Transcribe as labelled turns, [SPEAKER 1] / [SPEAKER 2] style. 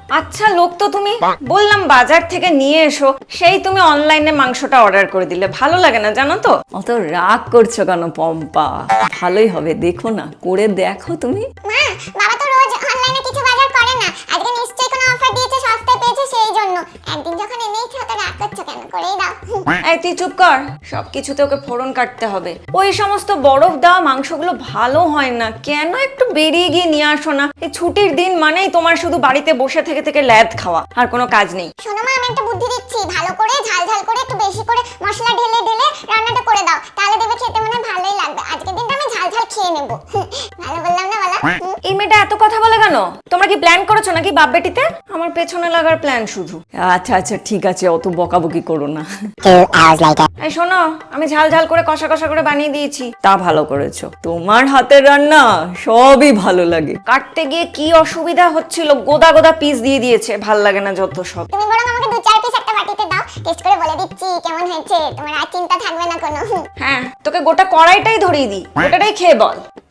[SPEAKER 1] আচ্ছা লোক তো তুমি, বললাম বাজার থেকে নিয়ে এসো, সেই তুমি অনলাইনে মাংসটা অর্ডার করে দিলে। ভালো লাগে না জানো তো। অত রাগ করছো কেন পম্পা? ভালোই হবে, দেখো না, করে দেখো তুমি।
[SPEAKER 2] মা, বাবা তো রোজ অনলাইনে কিছু বাজার করে না, আজকে নিশ্চয়ই কোনো অফার দিয়েছে, সস্তায় পেয়েছে সেই জন্য। একদিন যখন এনেইছো তো রাগ করছো কেন? করেই দাও।
[SPEAKER 1] এই তুই চুপ কর, সবকিছুতে ওকে ফোড়ন কাটতে হবে। ওই সমস্ত বরফ দেওয়া মাংসগুলো ভালো হয় না, কেন একটু বেরিয়ে গিয়ে নিয়ে আসো না? এই ছুটির দিন মানেই তোমার শুধু বাড়িতে বসে থেকে থেকে ল্যাদ খাওয়া, আর কোনো কাজ নেই।
[SPEAKER 2] শোনো মা, আমি একটা বুদ্ধি দিচ্ছি, ভালো করে ঝাল ঝাল করে একটু বেশি করে মশলা ঢেলে ঢেলে রান্নাটা করে দাও, তাহলে দেখবে খেতে মনে হয় ভালোই লাগবে। আজকের দিনটা আমি ঝাল ঝাল খেয়ে নেবো। ভালো বললাম না বলা?
[SPEAKER 1] এই মেয়েটা এত কথা বলে কেন? তোমরা কি প্ল্যান করেছো নাকি বাপ বেটিতে? আমার পেছনে লাগার প্ল্যান শুধু। আচ্ছা আচ্ছা ঠিক আছে, অত বকাবকি করো না। এই শোনো, আমি ঝাল ঝাল করে কষা কষা করে বানিয়ে দিয়েছি। তা ভালো করেছো, তোমার হাতের রান্না সবই ভালো লাগে। কাটতে গিয়ে কি অসুবিধা হচ্ছিল, গোদা গোদা পিস দিয়ে দিয়েছে, ভাল লাগে না যত সব।
[SPEAKER 2] তুমি বরং আমাকে 2-4 পিস একটা বাটিতে দাও, টেস্ট করে বলে দিচ্ছি কেমন হয়েছে, তোমার আর চিন্তা থাকবে না কোনো।
[SPEAKER 1] হ্যাঁ, তোকে গোটা কড়াইটাই ধরিয়ে দিই, গোটাটাই খেয়ে বল।